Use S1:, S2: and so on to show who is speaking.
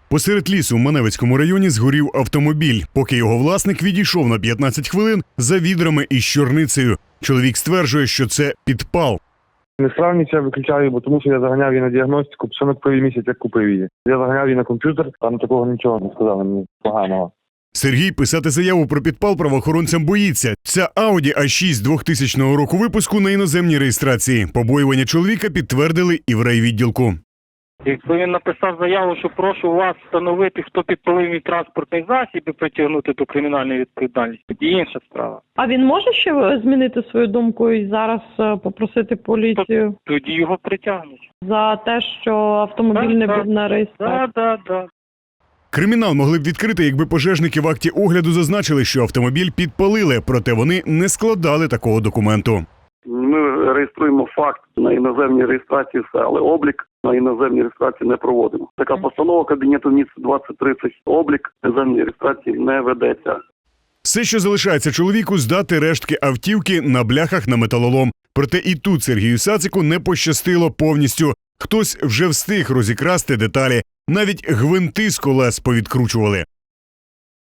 S1: Посеред лісу в Маневицькому районі згорів автомобіль, поки його власник відійшов на 15 хвилин за відрами із чорницею. Чоловік стверджує, що це підпал.
S2: Несправність я виключаю, бо тому що я заганяв її на діагностику, псонок провів місяць, як купив її. Я заганяв її на комп'ютер, там такого нічого не сказали мені поганого.
S1: Сергій писати заяву про підпал правоохоронцям боїться. Ця Audi A6 2000 року випуску на іноземній реєстрації. Побоювання чоловіка підтвердили і в райвідділку.
S3: Якби він написав заяву, що прошу вас встановити, хто підпалив мій транспортний засіб і притягнути до кримінальної відповідальності, тоді інша справа.
S4: А він може ще змінити свою думку і зараз попросити поліцію
S3: Тоді його притягнуть.
S4: за те, що автомобіль не був на реєстрації?
S3: Так.
S1: Кримінал могли б відкрити, якби пожежники в акті огляду зазначили, що автомобіль підпалили, проте вони не складали такого документу.
S5: Ми реєструємо факт на іноземній реєстрації, все, але облік на іноземній реєстрації не проводимо. Така постанова Кабінету Міністрів 2030, облік іноземної реєстрації не ведеться.
S1: Все, що залишається чоловіку, здати рештки автівки на бляхах на металолом. Проте і тут Сергію Сацику не пощастило повністю. Хтось вже встиг розікрасти деталі. Навіть гвинти з колес повідкручували.